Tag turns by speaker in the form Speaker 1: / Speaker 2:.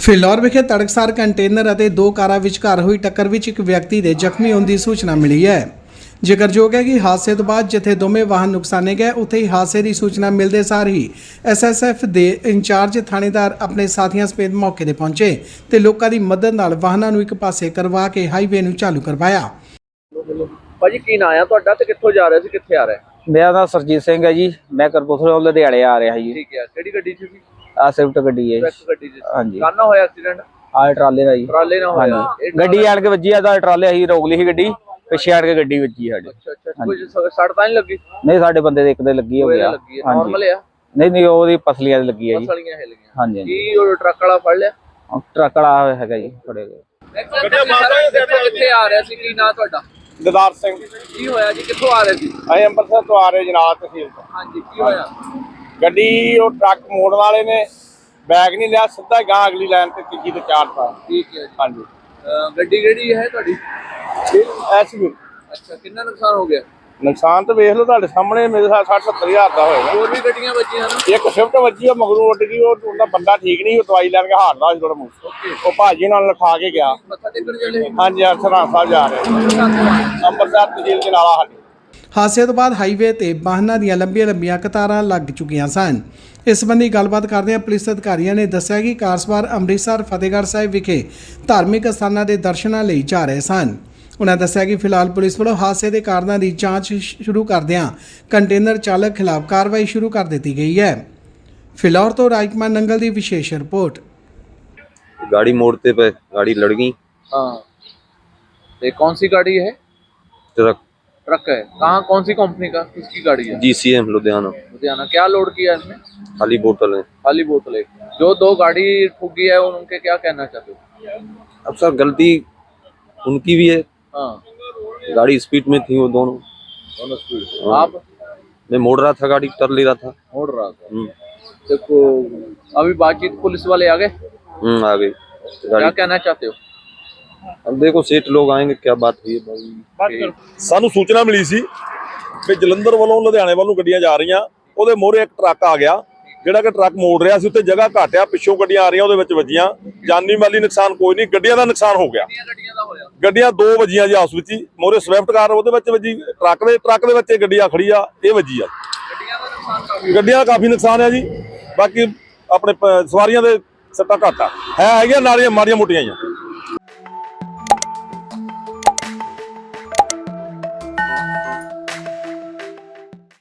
Speaker 1: ਫਿਲੌਰ ਵਿਖੇ ਤੜਕਸਾਰ ਕੰਟੇਨਰ ਅਤੇ ਦੋ ਕਾਰਾਂ ਵਿਚਕਾਰ ਹੋਈ ਟੱਕਰ ਵਿੱਚ ਇੱਕ ਵਿਅਕਤੀ ਦੇ ਜ਼ਖਮੀ ਹੋਣ ਦੀ ਸੂਚਨਾ ਮਿਲੀ ਹੈ। ਜ਼ਿਕਰਯੋਗ ਹੈ ਕਿ ਹਾਦਸੇ ਤੋਂ ਬਾਅਦ ਜਿੱਥੇ ਦੋਵੇਂ ਵਾਹਨ ਨੁਕਸਾਨੇ ਗਏ ਉੱਥੇ ਹੀ ਹਾਦਸੇ ਦੀ ਸੂਚਨਾ ਮਿਲਦੇ ਸਾਰ ਹੀ ਐਸਐਸਐਫ ਦੇ ਇੰਚਾਰਜ ਥਾਣੇਦਾਰ ਆਪਣੇ ਸਾਥੀਆਂ ਸਮੇਤ ਮੌਕੇ ਤੇ ਪਹੁੰਚੇ ਤੇ ਲੋਕਾਂ ਦੀ ਮਦਦ ਨਾਲ ਵਾਹਨਾਂ ਨੂੰ ਇੱਕ ਪਾਸੇ ਕਰਵਾ ਕੇ ਹਾਈਵੇ ਨੂੰ ਚਾਲੂ ਕਰਵਾਇਆ।
Speaker 2: ਭਾਜੀ ਕੀ ਨਾਂ ਆ ਤੁਹਾਡਾ ਤੇ ਕਿੱਥੋਂ ਜਾ ਰਹੇ ਸੀ ਕਿੱਥੇ ਆ ਰਹੇ?
Speaker 3: मेरा नाम सरजीत सिंह है जी। मैं करपुरथला लुधियाने आ रहा जी।
Speaker 2: ठीक है ਕਿਹੜੀ ਗੱਡੀ 'ਚ ਸੀ?
Speaker 3: आ स्विफ्ट गड्डी है।
Speaker 2: ਸਵਿਫਟ ਗੱਡੀ 'ਚ
Speaker 3: हाँ जी।
Speaker 2: ਕਾਹਨਾ ਹੋਇਆ ਐਕਸੀਡੈਂਟ?
Speaker 3: आ ट्राले का जी।
Speaker 2: ਟਰਾਲੇ ਨਾਲ ਹੋਇਆ ਇਹ
Speaker 3: गड्डी आन के वजी है ट्राले ही रोक ली गड्डी पिछे आन के गड्डी वजी साडे।
Speaker 2: ਅੱਛਾ ਕੁਝ ਸੜ ਤਾਂ ਨਹੀਂ ਲੱਗੀ?
Speaker 3: नहीं साडे बंदे दे एक दे लगी हो गया।
Speaker 2: ਲੱਗੀ ਹੈ ਨਾਰਮਲ ਆ?
Speaker 3: नहीं नहीं ओदी पसलियां दे लगी है जी।
Speaker 2: ਫਸਲੀਆਂ ਹਿੱਲ ਗਈਆਂ।
Speaker 3: हाँ जी।
Speaker 2: ਕੀ ਉਹ ਟਰੱਕ ਵਾਲਾ ਫੜ ਲਿਆ?
Speaker 3: ट्रक वाला हैगा जी फड़े गए।
Speaker 2: ਕਿੱਥੇ ਆ ਰਿਹਾ ਸੀ? ਕੀ ਨਾਂ ਤੁਹਾਡਾ?
Speaker 4: ददार सिंह
Speaker 2: ਕੀ ਹੋਇਆ ਜੀ? ਕਿੱਥੋਂ ਆ ਰਹੇ ਸੀ?
Speaker 4: ਅਸੀਂ ਅੰਮ੍ਰਿਤਸਰ ਤੋਂ ਆ ਰਹੇ ਜਨਾਬ ਤਹਿਸੀਲ ਤੋਂ।
Speaker 2: ਹਾਂਜੀ ਕੀ ਹੋਇਆ?
Speaker 4: ਗੱਡੀ ਉਹ ਟਰੱਕ ਮੋੜਨ ਵਾਲੇ ਨੇ ਬੈਗ ਨਹੀਂ ਲਿਆ, ਸਿੱਧਾ ਗਾਂ ਅਗਲੀ ਲਾਈਨ ਤੇ ਤੀਜੀ ਤੇ ਚਾਰ ਪਾ।
Speaker 2: ਠੀਕ ਹੈ ਜੀ।
Speaker 4: ਹਾਂਜੀ
Speaker 2: ਗੱਡੀ ਕਿਹੜੀ ਹੈ ਤੁਹਾਡੀ?
Speaker 4: ਐਸਯੂ।
Speaker 2: ਅੱਛਾ ਕਿੰਨਾ ਨੁਕਸਾਨ ਹੋ ਗਿਆ?
Speaker 4: ਨੁਕਸਾਨ ਤਾਂ ਵੇਖ ਲਓ ਤੁਹਾਡੇ ਸਾਹਮਣੇ, ਮੇਰੇ ਸਾਹ 60-70 ਹਜ਼ਾਰ ਦਾ ਹੋਏਗਾ।
Speaker 2: ਹੋਰ ਵੀ ਗੱਡੀਆਂ ਵੱਜੀਆਂ ਨਾ?
Speaker 4: ਇੱਕ ਸਵਿਫਟ ਵੱਜੀ, ਉਹ ਮਗਰੋਂ ਉੱਡ ਗਈ। ਉਹਦਾ ਬੰਦਾ ਠੀਕ ਨਹੀਂ, ਉਹ ਦਵਾਈ ਲੈਣ ਕੇ ਹਾਰਦਾ ਸੀ ਥੋੜਾ ਮੂੰਹ। ਉਹ ਭਾਜੀ ਨਾਲ ਲਿਖਾ ਕੇ ਗਿਆ।
Speaker 2: ਮੱਥਾ ਟੇਕਣ ਚੱਲੇ ਸੀ?
Speaker 4: ਹਾਂਜੀ ਸਰਹੰਦ ਸਾਹਿਬ ਜਾ ਰਹੇ ਅੰਮ੍ਰਿਤਸਰ ਤਹਿਸੀਲ ਦੇ ਨਾਲ ਸਾਡੀ।
Speaker 1: ਹਾਦਸੇ ਤੋਂ ਬਾਅਦ ਹਾਈਵੇ ਤੇ ਵਾਹਨਾਂ ਦੀਆਂ ਲੰਬੀਆਂ ਕਤਾਰਾਂ ਲੱਗ ਚੁੱਕੀਆਂ ਸਨ। ਇਸ ਸੰਬੰਧੀ ਗੱਲਬਾਤ ਕਰਦਿਆਂ ਪੁਲਿਸ ਅਧਿਕਾਰੀਆਂ ਨੇ ਦੱਸਿਆ ਕਿ ਕਾਰ ਸਵਾਰ ਅੰਮ੍ਰਿਤਸਰ ਫਤਿਹਗੜ੍ਹ ਸਾਹਿਬ ਵਿਖੇ ਧਾਰਮਿਕ ਸਥਾਨਾਂ ਦੇ ਦਰਸ਼ਨਾਂ ਲਈ ਜਾ ਰਹੇ ਸਨ। ਉਨ੍ਹਾਂ ਦੱਸਿਆ ਕਿ ਫਿਲਹਾਲ ਪੁਲਿਸ ਵੱਲੋਂ ਹਾਦਸੇ ਦੇ ਕਾਰਨਾਂ ਦੀ ਜਾਂਚ ਸ਼ੁਰੂ ਕਰਦਿਆਂ ਕੰਟੇਨਰ ਚਾਲਕ ਖਿਲਾਫ ਕਾਰਵਾਈ ਸ਼ੁਰੂ ਕਰ ਦਿੱਤੀ ਗਈ ਹੈ। ਫਿਲੌਰ ਤੋਂ ਰਾਜਕੁਮਾਰ ਨੰਗਲ ਦੀ ਵਿਸ਼ੇष रिपोर्ट।
Speaker 5: गाड़ी मोड़ते पे गाड़ी लड़ गई।
Speaker 2: हाँ ये कौन सी गाड़ी है?
Speaker 5: ट्रक
Speaker 2: ट्रक है। कहाँ कौन सी कंपनी का किसकी गाड़ी है?
Speaker 5: GCM लुधियाना।
Speaker 2: लुधियाना। क्या लोड किया इसमें?
Speaker 5: खाली बोतल है।
Speaker 2: खाली बोतल है। जो दो गाड़ी ठुकी है उनके क्या कहना चाहते हो?
Speaker 5: अब सर गलती उनकी भी है।
Speaker 2: हाँ
Speaker 5: गाड़ी स्पीड में थी वो दोनों
Speaker 2: स्पीड।
Speaker 5: हाँ।
Speaker 2: आप?
Speaker 5: मैं मोड़ रहा था, गाड़ी कर ले रहा था।
Speaker 2: मोड़ रहा था। देखो अभी बातचीत पुलिस वाले आ गए?
Speaker 5: आ गई
Speaker 2: क्या
Speaker 5: गाड़ी।
Speaker 2: कहना चाहते हो?
Speaker 5: अब देखो सेठ लोग आएंगे, क्या बात हुई है।
Speaker 6: ਸਾਨੂੰ ਸੂਚਨਾ ਮਿਲੀ ਸੀ ਕਿ ਜਲੰਧਰ ਵੱਲੋਂ ਲੁਧਿਆਣੇ ਵੱਲ ਨੂੰ ਗੱਡੀਆਂ ਜਾ ਰਹੀਆਂ। ਉਹਦੇ ਮੋਹਰੇ ਇੱਕ ਟਰੱਕ ਆ ਗਿਆ, ਜਿਹੜਾ ਕਿ ਟਰੱਕ ਮੋੜ ਰਿਹਾ ਸੀ। ਉੱਤੇ ਜਗ੍ਹਾ ਘੱਟ ਆ, ਪਿੱਛੋਂ ਗੱਡੀਆਂ ਆ ਰਹੀਆਂ, ਉਹਦੇ ਵਿੱਚ ਵੱਜੀਆਂ। ਜਾਨੀ ਮਾਲੀ ਨੁਕਸਾਨ ਕੋਈ ਨਹੀਂ, ਗੱਡੀਆਂ ਦਾ ਨੁਕਸਾਨ ਹੋ ਗਿਆ।
Speaker 2: ਗੱਡੀਆਂ ਦਾ ਹੋਇਆ?
Speaker 6: ਗੱਡੀਆਂ ਦੋ ਵੱਜੀਆਂ ਜੀ ਆਪਸ ਵਿੱਚ ਹੀ। ਮੋਹਰੇ ਸਵਿਫਟ ਕਾਰ ਉਹਦੇ ਵਿੱਚ ਵੱਜੀ, ਟਰੱਕ ਦੇ ਵਿੱਚ ਇਹ ਗੱਡੀ ਆ ਖੜੀ ਆ, ਇਹ ਵੱਜੀ ਆ।
Speaker 2: ਗੱਡੀਆਂ ਦਾ ਨੁਕਸਾਨ ਕਾਫੀ?
Speaker 6: ਗੱਡੀਆਂ ਦਾ ਕਾਫੀ ਨੁਕਸਾਨ ਆ ਜੀ। ਬਾਕੀ ਆਪਣੇ ਸਵਾਰੀਆਂ ਦੇ ਸੱਟਾਂ ਘੱਟ ਆ, ਹੈਗੀਆਂ ਨਾਲੀਆਂ ਮਾੜੀਆਂ ਮੋਟੀਆਂ ਹੀ ਆ।